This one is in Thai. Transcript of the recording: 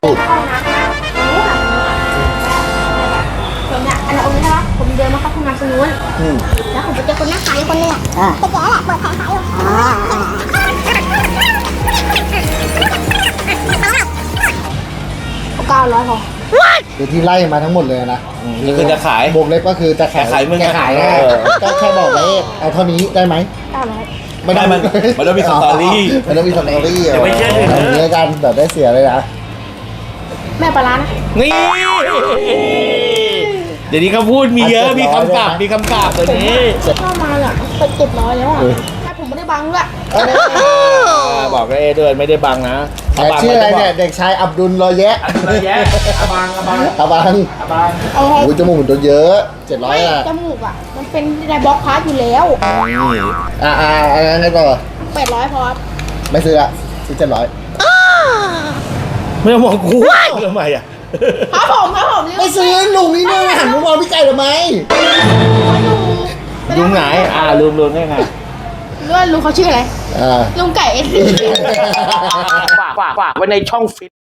เข้านะผมเนี่ยอันนี้ใช่ปะผมเดินมาเข้าห้องน้ำตรงนู้นแล้วผมไปเจอคนนั่งขายอยู่คนนึงอ่ะไปเจอแหละเปิดแผงขายอยู่900พอคือที่ไล่มาทั้งหมดเลยนะนี่คือจะขายบวกเล็กก็คือจะขายขายมึงแกขายนะ ก็แค่บอกเลขเอาเท่านี้ได้ไหม 900 ไม่ได้มันต้องมีสตอรี่มันต้องมีสตอรี่อย่าไปเชื่อถืออย่างนี้กันแบบได้เสียเลยนะแม่ปลาร้านะนี่ เดี๋ยวนี้เขาพูดมีเยอะ มีคำกลับตัวนี้เข้ามาเนี่ยไป700แล้วอ่ะถ้าผมไม่ได้บังด้วยบอกได้ด้วยไม่ได้บังนะแต่ชื่ออะไรเนี่ยเด็กชายอับดุลรอยแยะอะไรแยะอาบังเอาให้โอ้ยจมูกมันตัวเยอะ700 ไม่อ่ะจมูกอ่ะมันเป็นในบล็อกพาร์ทอยู่แล้วอันนั้นไงต่อ 800พอไม่ซื้อละซื้อ700 ไม่ต้องมองกูทำไมอ่ะครับผมไม่ซื้อลุงนี่เนี่ยหันมามองพี่ไก่ทำไมลุงไหนลุงได้ไงลุงเขาชื่ออะไรอ่าลุงไก่ฝากไว้ในช่องฟิต